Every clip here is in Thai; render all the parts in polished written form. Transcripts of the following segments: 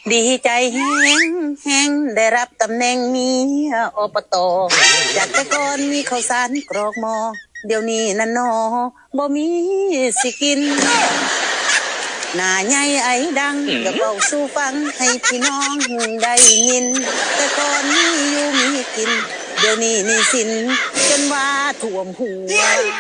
ดีใจแห้งแห้งได้รับตำแหน่งเมียอบตจากแต่ก่อนมีข้าวสารกรอกหมอเดี๋ยวนี้นั่นนอบ่มีสิกินหน้าใหญ่ไอ้ดังก็เบาสู่ฟังให้พี่น้องได้ยินแต่ก่อนมีอยู่มีกินเดี๋ยวนี้นี่สินจนว่าท่วมหัว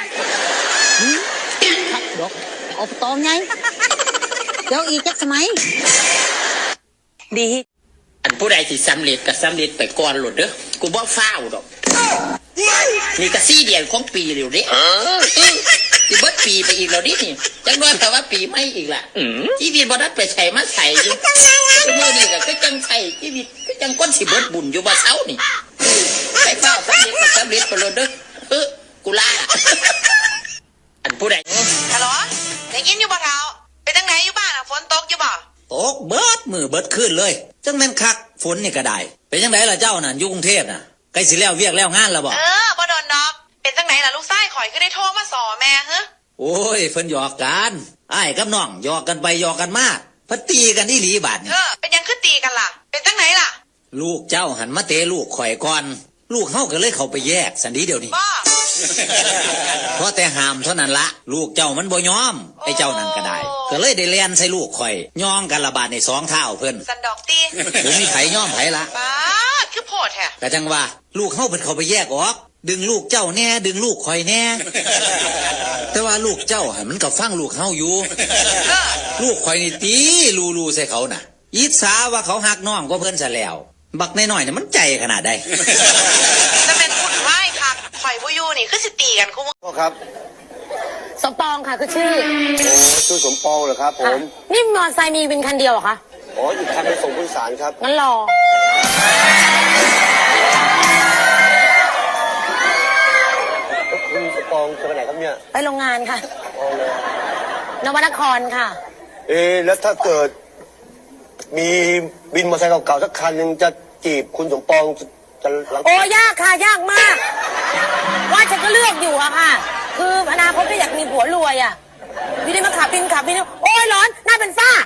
ทักดอกอบตไงเดี๋ยวอีกจักสมัยดีอันผู้ใดที่สำเร็จก็สำเร็จไปก่อนหลุดเด้อกูบ่ฟ้าวดอกนี่ก็4 เดือนของปีแล้วเด้สิเบิดปีไปอีกแล้วดินี่จังว่าแต่ว่าปีไม่อีกล่ะชีวิตบ่ได้ไปใส่มาใส่อยู่มื้อนี้ก็จังใส่ชีวิตก็จังก้นสิเบิดบุญอยู่บ่เช้านี่ไปเฝ้าสำเร็จก็สำเร็จไปแล้วเด้อกูลาอันผู้ใดฮัลโหลได้ยินอยู่บ่เท้าไปทางไหนอยู่บ้านฝนตกอยู่บ่ตกเบิดมือเบิดขึ้นเลยจังแม่นคักฝนนี่ก็ได้เป็นจังไดล่ะเจ้าน่ะอยู่กรุงเทพน่ะใกล้สิแล้วเวียกแล้วงานแล้วบ่บ่โดนดอกเป็นจังไหนล่ะลูกชายข่อยคือได้โทรมาสอแม่ฮะโอ้ยเพิ่นหยอกกันอ้ายกับน้องหยอกกันไปหยอกกันมาเพิ่นตีกันอีหลีบาดนี่เป็นยังคือตีกันล่ะเป็นจังไหนล่ะลูกเจ้าหันมาเตะลูกข่อยก่อนลูกเฮาก็เลยเข้าไปแยกสันดีเดี๋ยวนี้เพราะแต่ห้ามเท่านั้นละลูกเจ้ามันบ่ยอมไอ้เจ้านั่นก็ได้ก็เลยได้เลียนใส่ลูกข่อยย่องกันระบาดใน2 เท้าเพิ่นสันดอกตีบ่มีไผย่อมไผละป้าคือโพดแท้ก็จังว่าลูกเฮาเพิ่นเข้าไปแยกออกดึงลูกเจ้าแน่ดึงลูกข่อยแน่แต่ว่าลูกเจ้าหันมันก็ฟังลูกเฮาอยู่ลูกข่อยนี่ตีลูใส่เขาน่ะอิจฉาว่าเขาหักน้องก็เพิ่นซะแล้วบักน้อยๆเนี่ยมันใจขนาดใดจะเป็นหุ่นไหวค่ะข่อยบ่อยู่นี่คือสิตีกันคุพ่อครับสมปองค่ะคือชื่อสมปองเหรอครับผมนี่มอเตอร์ไซค์มีเป็นคันเดียวเหรอคะอ๋ออีกคันไปส่งผู้โดยสารครับงั้นรอคุณสมปองจะไปไหนครับเนี่ยไปโรงงานค่ะนวนครค่ะแล้วถ้าเกิดมีบินมอเตอร์ไซค์เก่าๆสักคันหนึ่งจะจีบคุณสมปองจะโอ้ยากค่ะยากมากว่าฉันก็เลือกอยู่อะค่ะคืออนาคตก็อยากมีผัวรวยอะอยู่ดีมาขับบินโอ้ยร้อนหน้าเป็นฝ้า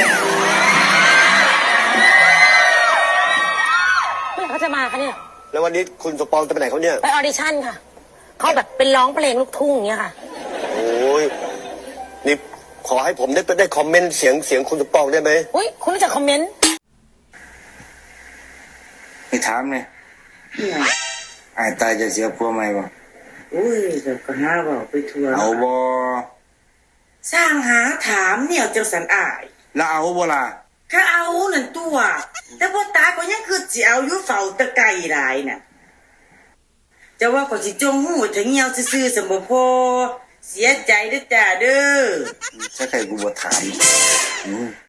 เมื่อเขาจะมาคะเนี่ยแล้ววันนี้คุณสมปองจะไปไหนเขาเนี่ยไปออดิชั่นค่ะเขาแบบเป็นร้องเพลงลูกทุ่งอย่างเงี้ยค่ะโอ้ยนี่ขอให้ผมได้คอมเมนต์เสียงคุณสมปองได้ไหมอุ้ยคุณรู้จักคอมเมนต์ไปถามเลยไอ้ตายจะเสียผัวไหมบ่อุ้ยแต่ก็หาบอกไปทัวร์เอาบ่สร้างหาถามเนี่ยจังสันอายแล้วเอาบ่ล่ะถ้าเอานั่นตัวแต่พ่อตาก็ยังคือสิเอาอยู่เฝ้าตะไก่หลายน่ะจะว่าก็สิจงหูถึงเหี่ยวซื่อๆสมบ่พอเสียใจเด้อจ้าเด้อใช่ใครกูบ่ถาม